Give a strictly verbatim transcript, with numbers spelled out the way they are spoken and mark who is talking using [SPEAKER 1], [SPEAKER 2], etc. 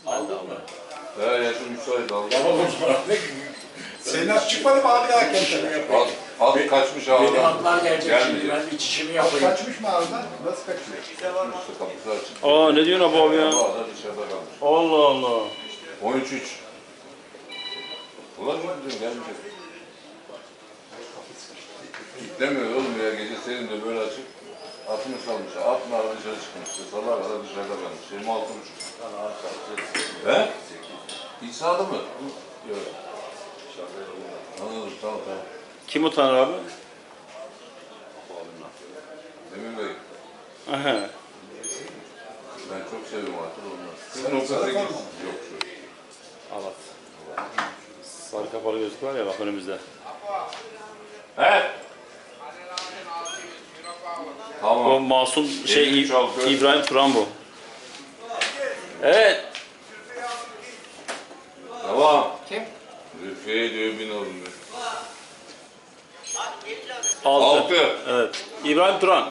[SPEAKER 1] Aldın mı?
[SPEAKER 2] He yaşım müsait aldım.
[SPEAKER 1] Tamam o zaman.
[SPEAKER 3] Senin at çıkmadı mı abi daha kendine?
[SPEAKER 2] At, at kaçmış ağadan.
[SPEAKER 1] Benim atlar gelecek şimdi.
[SPEAKER 2] Gelmeyecek.
[SPEAKER 1] Ben içişimi
[SPEAKER 3] At
[SPEAKER 1] yapayım.
[SPEAKER 3] kaçmış mı ağzından? Nasıl kaçıyor?
[SPEAKER 2] İşte kapısı açık.
[SPEAKER 4] Aa ne diyorsun abi ya?
[SPEAKER 2] Ağda dışarıda kalmış.
[SPEAKER 4] Allah Allah.
[SPEAKER 2] on üç üç. Ulan ne diyorum gelmeyecek. Kitlemiyor oğlum ya gece senin de böyle açık. Atını salmış. At narı dışarı çıkmış. Sabah kadar dışarıda kalmış. yirmi altı buçuk. He? İç sağda mı? Yok. Anladım tamam tamam.
[SPEAKER 4] Kim utanır abi?
[SPEAKER 2] Emin Bey.
[SPEAKER 4] Aha.
[SPEAKER 2] Ben çok seviyorum atı ondan. Sen o kadar git. Yok şu.
[SPEAKER 4] Evet. Sarı kapalı gözlük var ya bak önümüzde.
[SPEAKER 2] He?
[SPEAKER 4] O
[SPEAKER 2] Tamam.
[SPEAKER 4] masum şey
[SPEAKER 2] Elini çalkıyor.
[SPEAKER 4] İbrahim Turan bu. Evet.
[SPEAKER 2] Tamam.
[SPEAKER 1] Kim?
[SPEAKER 2] Rüfiye diyor bin oğlum.
[SPEAKER 4] Altı.
[SPEAKER 2] Altı.
[SPEAKER 4] Evet. İbrahim Turan.